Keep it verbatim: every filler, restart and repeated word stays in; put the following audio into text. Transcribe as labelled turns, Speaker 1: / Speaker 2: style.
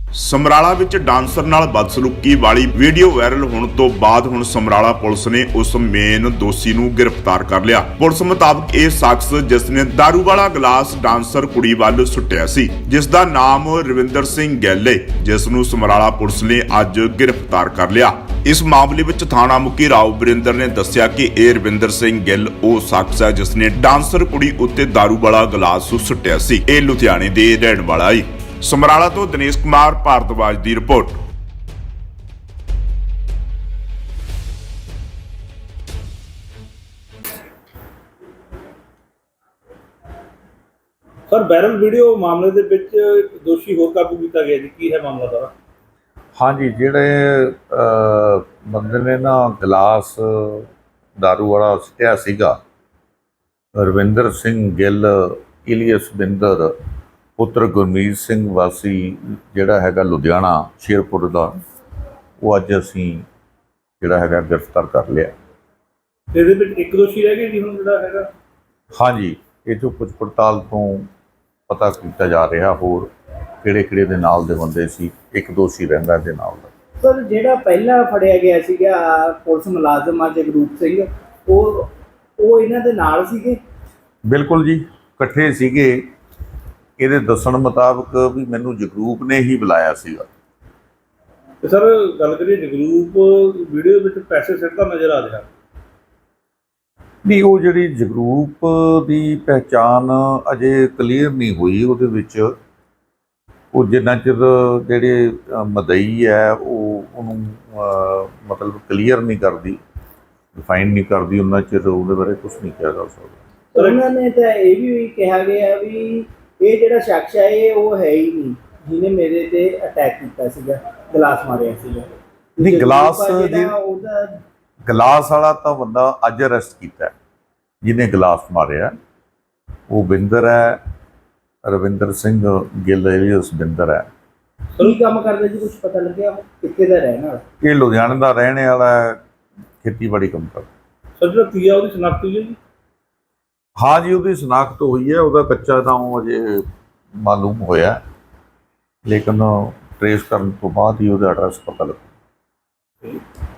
Speaker 1: ਸਮਰਾਲਾ ਵਿੱਚ ਡਾਂਸਰ ਨਾਲ ਬਦਸਲੂਕੀ ਵਾਲੀ ਵੀਡੀਓ ਵਾਇਰਲ ਹੋਣ ਤੋਂ ਬਾਅਦ ਹੁਣ ਸਮਰਾਲਾ ਪੁਲਿਸ ਨੇ ਉਸ ਮੇਨ ਦੋਸ਼ੀ ਨੂੰ ਗ੍ਰਿਫਤਾਰ ਕਰ ਲਿਆ। ਪੁਲਿਸ ਮੁਤਾਬਕ ਇਹ ਸ਼ਖਸ ਜਿਸ ਨੇ ਦਾਰੂ ਵਾਲਾ ਗਲਾਸ ਡਾਂਸਰ ਕੁੜੀ ਵੱਲ ਸੁੱਟਿਆ ਸੀ, ਜਿਸ ਦਾ ਨਾਮ ਰਵਿੰਦਰ ਸਿੰਘ ਗਿੱਲ ਹੈ, ਜਿਸ ਨੂੰ ਸਮਰਾਲਾ ਪੁਲਿਸ ਨੇ ਅੱਜ ਗ੍ਰਿਫਤਾਰ ਕਰ ਲਿਆ। ਇਸ ਮਾਮਲੇ ਵਿੱਚ ਥਾਣਾ ਮੁਖੀ ਰਾਓ ਬਰਿੰਦਰ ਨੇ ਦੱਸਿਆ ਕਿ ਇਹ ਰਵਿੰਦਰ ਸਿੰਘ ਗਿੱਲ ਉਹ ਸ਼ਖਸ ਹੈ ਜਿਸ ਨੇ ਡਾਂਸਰ ਕੁੜੀ ਉੱਤੇ ਦਾਰੂ ਵਾਲਾ ਗਲਾਸ ਸੁੱਟਿਆ ਸੀ। ਇਹ ਲੁਧਿਆਣੇ ਦੇ ਰਹਿਣ ਵਾਲਾ ਹੈ। ਸਮਰਾਲਾ ਤੋਂ ਦਿਨੇਸ਼ ਕੁਮਾਰ ਭਾਰਦਵਾਜ ਦੀ ਰਿਪੋਰਟ।
Speaker 2: ਸਰ ਵਾਇਰਲ ਵੀਡੀਓ ਮਾਮਲੇ ਦੇ ਵਿੱਚ ਇੱਕ ਦੋਸ਼ੀ ਹੋਰ ਕਾਬੂ ਕੀਤਾ ਗਿਆ ਜੀ, ਕੀ ਹੈ ਮਾਮਲਾ ਸਾਰਾ?
Speaker 3: ਹਾਂਜੀ, ਜਿਹੜੇ ਬੰਦੇ ਨੇ ਨਾ ਗਲਾਸ ਦਾਰੂ ਵਾਲਾ ਸੁੱਟਿਆ ਸੀਗਾ, ਰਵਿੰਦਰ ਸਿੰਘ ਗਿੱਲ ਇਲੀਅਸ ਬਿੰਦਰ ਪੁੱਤਰ ਗੁਰਮੀਤ ਸਿੰਘ ਵਾਸੀ ਜਿਹੜਾ ਹੈਗਾ ਲੁਧਿਆਣਾ ਸ਼ੇਰਪੁਰ ਦਾ, ਉਹ ਅੱਜ ਅਸੀਂ ਜਿਹੜਾ ਹੈਗਾ ਗ੍ਰਿਫਤਾਰ ਕਰ ਲਿਆ।
Speaker 2: ਇਹਦੇ ਵਿੱਚ ਇੱਕ ਦੋਸ਼ੀ ਰਹਿ ਗਿਆ ਜੀ ਹੁਣ ਜਿਹੜਾ ਹੈਗਾ?
Speaker 3: ਹਾਂਜੀ, ਇਹ ਤੋਂ ਪੁੱਛ ਪੜਤਾਲ ਤੋਂ ਪਤਾ ਕੀਤਾ ਜਾ ਰਿਹਾ ਹੋਰ ਕਿਹੜੇ ਕਿਹੜੇ ਦੇ ਨਾਲ ਦੇ ਬੰਦੇ ਸੀ। ਇੱਕ ਦੋਸ਼ੀ ਰਹਿੰਦਾ ਦੇ ਨਾਲ ਦਾ।
Speaker 4: ਸਰ ਜਿਹੜਾ ਪਹਿਲਾਂ ਫੜਿਆ ਗਿਆ ਸੀਗਾ ਪੁਲਿਸ ਮੁਲਾਜ਼ਮ ਜਗਰੂਪ ਸਿੰਘ, ਉਹ ਉਹ ਇਹਨਾਂ ਦੇ ਨਾਲ ਸੀਗੇ?
Speaker 3: ਬਿਲਕੁਲ ਜੀ, ਇਕੱਠੇ ਸੀਗੇ। ਇਹਦੇ ਦੱਸਣ ਮੁਤਾਬਕ ਵੀ ਮੈਨੂੰ ਜਗਰੂਪ ਨੇ ਹੀ ਬੁਲਾਇਆ ਸੀਗਾ।
Speaker 2: ਤੇ ਸਰ ਗੱਲ ਕਰੀਏ ਜਗਰੂਪ ਵੀਡੀਓ ਵਿੱਚ ਪੈਸੇ ਸਿੱਟਦਾ ਨਜ਼ਰ ਆ ਰਿਹਾ।
Speaker 3: ਨਹੀਂ, ਉਹ ਜਿਹੜੀ ਜਗਰੂਪ ਦੀ ਪਹਿਚਾਣ ਅਜੇ ਕਲੀਅਰ ਨਹੀਂ ਹੋਈ। ਉਹਦੇ ਵਿੱਚ ਉਹ ਜਿੰਨਾ ਚਿਰ ਜਿਹੜੇ ਮਦਈ ਹੈ ਉਹ ਉਹਨੂੰ ਮਤਲਬ ਕਲੀਅਰ ਨਹੀਂ ਕਰਦੀ, ਡਿਫਾਈਨ ਨਹੀਂ ਕਰਦੀ, ਉਹਨਾਂ ਚਿਰ ਉਹਦੇ ਬਾਰੇ ਕੁਝ ਨਹੀਂ ਕਿਹਾ ਜਾ ਸਕਦਾ।
Speaker 4: ਉਹਨਾਂ ਨੇ ਤਾਂ ਇਹ ਵੀ ਕਿਹਾ ਗਿਆ ਵੀ ਇਹ ਜਿਹੜਾ ਸ਼ਖਸ ਹੈ ਇਹ ਉਹ ਹੈ ਹੀ ਨਹੀਂ ਜਿਹਨੇ ਮੇਰੇ ਤੇ ਅਟੈਕ ਕੀਤਾ ਸੀਗਾ, ਗਲਾਸ ਮਾਰਿਆ ਸੀਗਾ।
Speaker 3: ਨਹੀਂ, ਗਲਾਸ
Speaker 4: ਉਹਦਾ
Speaker 3: ਗਲਾਸ ਵਾਲਾ ਤਾਂ ਬੰਦਾ ਅੱਜ ਅਰੈਸਟ ਕੀਤਾ ਜਿਹਨੇ ਗਲਾਸ ਮਾਰਿਆ, ਉਹ ਬਿੰਦਰ ਹੈ, ਰਵਿੰਦਰ ਸਿੰਘ ਗਿੱਲ ਇਲੀਅਸ ਬਿੰਦਰ ਹੈ।
Speaker 4: ਕੀ ਕੰਮ ਕਰਦਾ ਜੀ, ਕੁਝ ਪਤਾ ਲੱਗਿਆ ਕਿੱਥੇ ਦਾ ਰਹਿਣ ਵਾਲਾ?
Speaker 3: ਇਹ ਲੁਧਿਆਣੇ ਦਾ ਰਹਿਣ ਵਾਲਾ ਹੈ, ਖੇਤੀਬਾੜੀ ਕੰਮ ਕਰਦਾ।
Speaker 2: ਸਰ ਜਿਹੜਾ ਪੀਆ ਉਹਦੀ ਸ਼ਨਾਖਤ ਹੋਈ ਹੈ ਜੀ?
Speaker 3: ਹਾਂ ਜੀ, ਉਹਦੀ ਸ਼ਨਾਖਤ ਹੋਈ ਹੈ। ਉਹਦਾ ਕੱਚਾ ਤਾਂ ਉਹ ਅਜੇ ਮਾਲੂਮ ਹੋਇਆ, ਲੇਕਿਨ ਟਰੇਸ ਕਰਨ ਤੋਂ ਬਾਅਦ ਹੀ ਉਹਦਾ ਐਡਰੈਸ ਪਤਾ ਲੱਗੂ।